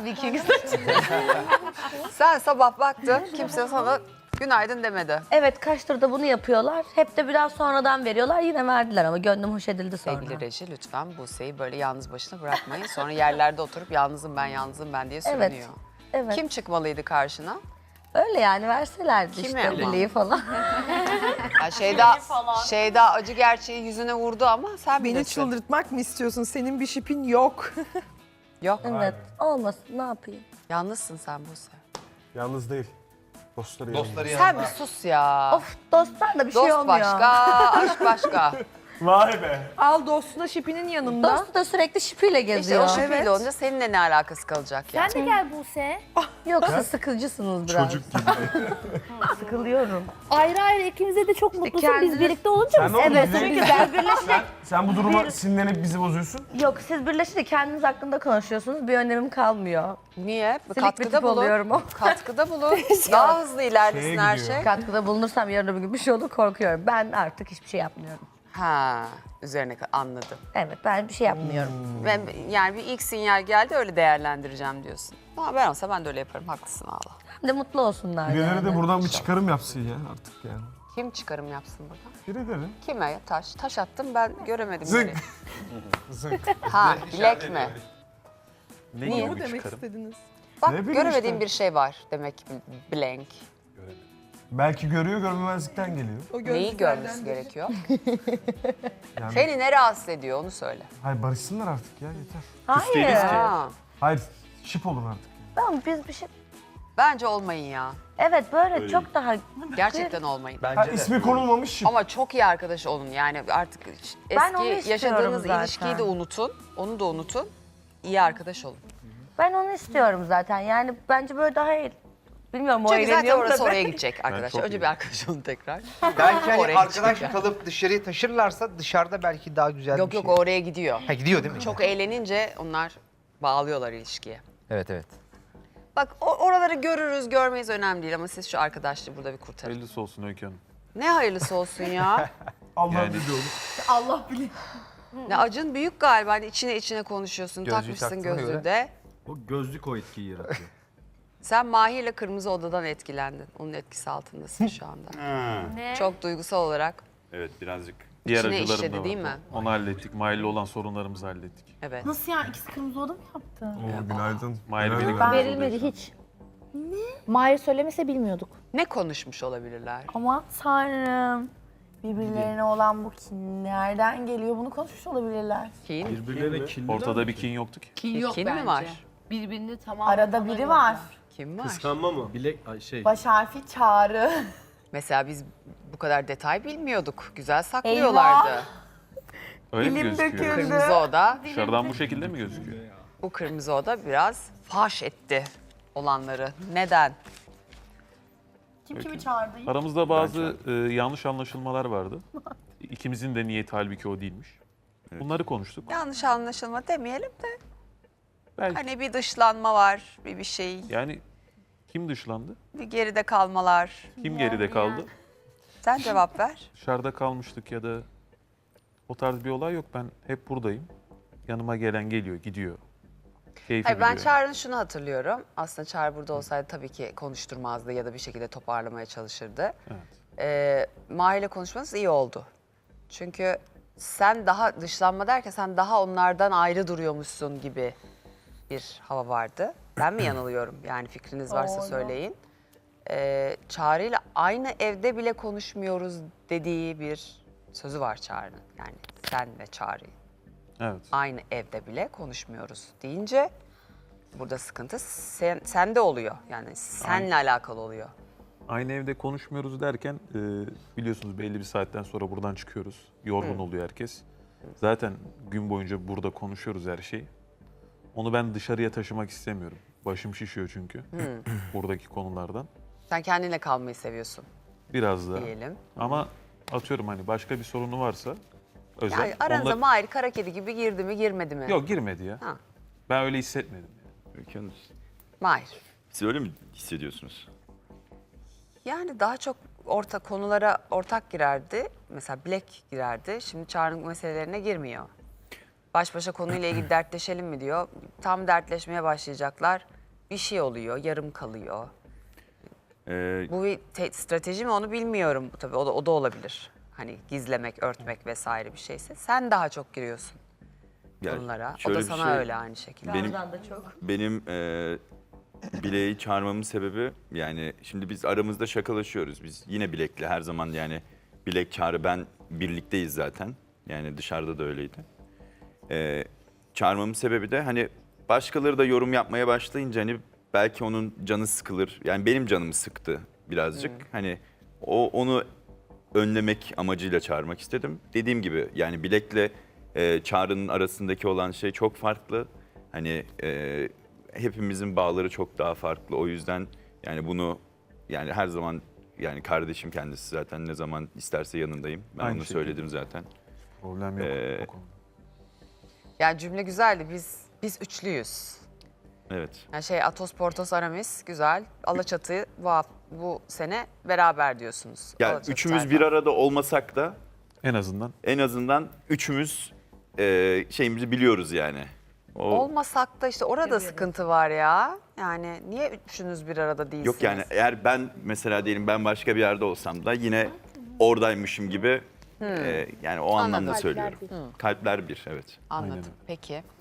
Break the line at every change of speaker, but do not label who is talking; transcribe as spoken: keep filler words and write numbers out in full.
Viking saçı. Sen sabah baktın, kimse sana günaydın demedi.
Evet, kaç turda bunu yapıyorlar. Hep de biraz sonradan veriyorlar. Yine verdiler ama gönlüm hoş edildi sonra.
Sevgili Reji, lütfen Buse'yi böyle yalnız başına bırakmayın. Sonra yerlerde oturup yalnızım ben, yalnızım ben diye sürünüyor.
Evet. Evet.
Kim çıkmalıydı karşına?
Öyle yani verselerdi
Kimi
işte
ama?
bileği falan.
Ha, Şeyda, Şeyda acı gerçeği yüzüne vurdu ama sen
Beni
bilirsin.
çıldırtmak mı istiyorsun? Senin bir şipin yok.
Yok.
Evet, olmasın ne yapayım.
Yalnızsın sen Buse.
Yalnız değil. Dostları yanında.
Dostları
Sen
yanında.
bir sus ya.
Of, dostlarla bir şey
Dost
olmuyor.
başka, aşk başka.
Vay be.
Al dostuna şipinin yanında.
Dostu da sürekli şipiyle
İşte
geziyor.
o şüpheli
Evet.
olunca seninle ne alakası kalacak ya?
Sen de gel Buse.
Yok, siz sıkıcısınız biraz.
Çocuk gibi.
Sıkılıyorum.
Ayrı ayrı ikimize de çok mutlusun.
kendiniz-
Biz birlikte olunca
Sen
mı?
ne oldu?
Evet,
Bize-
çünkü siz birleşince...
Sen bu duruma sinirlenip bizi bozuyorsun.
Yok, siz birleşince kendiniz hakkında konuşuyorsunuz. Bir önemim kalmıyor.
Niye?
Silik bir
Katkıda
tip
bulun.
oluyorum o.
Katkıda bulun. Daha hızlı ilerlesin
Şeye
her
gidiyor.
şey.
Katkıda bulunursam yarın öbür gün bir şey olur korkuyorum. Ben artık hiçbir şey yapmıyorum.
Ha, üzerine ka- anladım.
Evet, ben bir şey yapmıyorum.
Ben yani bir ilk sinyal geldi öyle değerlendireceğim diyorsun. Ama ben olsa ben de öyle yaparım. Haklısın Allah.
Hem de mutlu olsunlar
Birileri
yani.
de buradan bir çıkarım yapsın ya artık yani.
Kim çıkarım yapsın buradan?
Birileri.
Kime ya? Taş. Taş attım ben göremedim.
Zınk.
nereye.
Zınk.
Ha, bilek mi?
Ne
Niye?
mu demek istediniz?
Bak
Ne bileyim
göremediğim
işte.
bir şey var demek ki blank.
Belki görüyor görmemezlikten geliyor.
O
Neyi
gözlüklerden
görmesi
biri.
gerekiyor?
Yani,
Seni ne rahatsız ediyor onu söyle.
hayır barışsınlar artık ya yeter.
Hayır.
Ha,
Hayır şip olun artık.
Tamam, biz bir şey...
bence olmayın ya.
Evet, böyle çok daha...
Gerçekten olmayın.
Ha,
Bence de.
ismi konulmamış şip.
Ama çok iyi arkadaş olun yani artık
Ben onu
eski
istiyorum
yaşadığınız
zaten.
ilişkiyi de unutun. Onu da unutun. İyi arkadaş olun.
Ben onu istiyorum zaten. Yani bence böyle daha iyi. Bilmiyorum o
Çünkü zaten
eğleniyor mu
orası
tabii.
oraya gidecek arkadaşlar.
çok
Önce
iyi.
bir arkadaş olun tekrar.
Belki hani
Oraya
arkadaş
gidecek.
kalıp dışarıya taşırlarsa dışarıda belki daha güzel
Yok
bir
yok
şey.
o oraya gidiyor.
Ha gidiyor değil mi?
Çok eğlenince onlar bağlıyorlar ilişkiye.
Evet evet.
Bak o- oraları görürüz görmeyiz önemli değil ama siz şu arkadaşlığı burada bir kurtarın.
Hayırlısı olsun Öykü Hanım.
Ne hayırlısı olsun ya.
Allah
Yani-
biliyor.
Ne Acun büyük galiba hani içine içine konuşuyorsun
Gözlüğü
takmışsın
taktığına
gözlüğü
göre.
de.
O gözlük o etkiyi yaratıyor.
Sen Mahir'le Kırmızı Oda'dan etkilendin. Onun etkisi altındasın şu anda.
Ne?
Çok duygusal olarak.
Evet birazcık. Diğer
İçine
acılarım
işledi
da
değil
vardı.
mi?
Onu hallettik. Mahir'le olan sorunlarımızı hallettik.
Evet.
Nasıl yani? İkisi kırmızı oda mı yaptı?
Oo, günaydın.
Mahir
Günaydın.
beni
Ben
kırmızı
verilmedi
odaya
hiç. Mahir söylemese bilmiyorduk.
Ne konuşmuş olabilirler?
Aman tanrım. Birbirlerine olan bu kin nereden geliyor? Bunu konuşmuş olabilirler.
Kin.
Birbirlerine kinliler.
Ortada bir kin yoktu ki.
Kin yok
Kin
bence.
mi var?
Birbirini tamam.
Arada biri var.
Kim var?
Kıskanma mı? Bilek ay şey.
Baş harfi Çağrı.
Mesela biz bu kadar detay bilmiyorduk. Güzel saklıyorlardı.
Öyle mi
Dilim
gözüküyor?
döküldü.
Kırmızı Oda,
Dışarıdan bu şekilde mi gözüküyor?
bu Kırmızı Oda biraz faş etti olanları. Neden?
Kim kimi çağırdı?
Aramızda bazı e, yanlış anlaşılmalar vardı. İkimizin de niyeti halbuki o değilmiş. Bunları konuştuk.
Yanlış anlaşılma demeyelim de
Belki
hani bir dışlanma var, bir bir şey,
yani kim dışlandı?
bir geride kalmalar.
Kim geride kaldı?
Sen cevap ver.
Dışarıda kalmıştık ya da o tarz bir olay yok. Ben hep buradayım. Yanıma gelen geliyor, gidiyor. Keyfi
Hayır, ben
biliyor.
Çağrı'nın şunu hatırlıyorum. Aslında Çağrı burada olsaydı tabii ki konuşturmazdı ya da bir şekilde toparlamaya çalışırdı.
Evet.
Ee, Mahir'le konuşmanız iyi oldu. Çünkü sen daha dışlanma derken sen daha onlardan ayrı duruyormuşsun gibi bir hava vardı. Ben mi yanılıyorum? Yani fikriniz varsa
Doğru.
söyleyin. Ee, Çağrı'yla aynı evde bile konuşmuyoruz dediği bir sözü var Çağrı'nın. Yani sen ve Çağrı'yı.
Evet.
Aynı evde bile konuşmuyoruz deyince burada sıkıntı sen, sende oluyor. Yani senle alakalı oluyor.
Aynı evde konuşmuyoruz derken e, biliyorsunuz belli bir saatten sonra buradan çıkıyoruz. Yorgun oluyor herkes. Zaten gün boyunca burada konuşuyoruz her şeyi. Onu ben dışarıya taşımak istemiyorum. Başım şişiyor çünkü buradaki konulardan.
Sen kendinle kalmayı seviyorsun
Biraz da.
diyelim.
Ama atıyorum hani başka bir sorunu varsa özel.
Yani aranıza
onlar-
Mahir kara kedi gibi girdi mi girmedi mi?
Yok girmedi ya.
Ha.
Ben öyle hissetmedim. Yani.
Öykü Hanım,
Mahir.
siz öyle mi hissediyorsunuz?
Yani daha çok orta konulara ortak girerdi. Mesela bilek girerdi. Şimdi Çağrı'nın meselelerine girmiyor. Baş başa konuyla ilgili dertleşelim mi diyor. Tam dertleşmeye başlayacaklar. bir şey oluyor, yarım kalıyor.
Ee,
Bu bir te- strateji mi onu bilmiyorum. Tabii o da, o da olabilir. Hani gizlemek, örtmek vesaire bir şeyse. Sen daha çok giriyorsun
ya
bunlara. O
şöyle
da
bir
sana
şey,
öyle aynı şekilde.
Benim
Ramazan da çok.
benim e, Bileği çağırmamın sebebi yani şimdi biz aramızda şakalaşıyoruz. Biz yine Bilek'le her zaman yani Bilek Çağrı ben birlikteyiz zaten. Yani dışarıda da öyleydi. Ee, çağırmamın sebebi de hani başkaları da yorum yapmaya başlayınca hani belki onun canı sıkılır. Yani benim canımı sıktı birazcık. Hani o onu önlemek amacıyla çağırmak istedim. Dediğim gibi yani Bilek'le e, Çağrı'nın arasındaki olan şey çok farklı. Hani e, hepimizin bağları çok daha farklı. O yüzden yani bunu yani her zaman yani kardeşim kendisi zaten ne zaman isterse yanındayım. Ben
Aynı
onu
şekilde.
söyledim zaten.
Problem yok
Ee,
o konuda.
Yani cümle güzeldi. Biz biz üçlüyüz.
Evet.
Yani şey Atos, Portos, Aramis güzel. Alaçatı bu haf- bu sene beraber diyorsunuz.
Yani
Alaçatı
üçümüz
tayfa.
bir arada olmasak da
En azından
en azından üçümüz e, şeyimizi biliyoruz yani. O,
Olmasak da işte orada sıkıntı var ya. Yani niye üçünüz bir arada değilsiniz?
yok yani eğer ben mesela diyelim ben başka bir yerde olsam da yine oradaymışım gibi e, yani o anlamda
Anladım.
söylüyorum.
Kalpler
Kalpler bir evet.
Anladım.
Aynen.
Peki.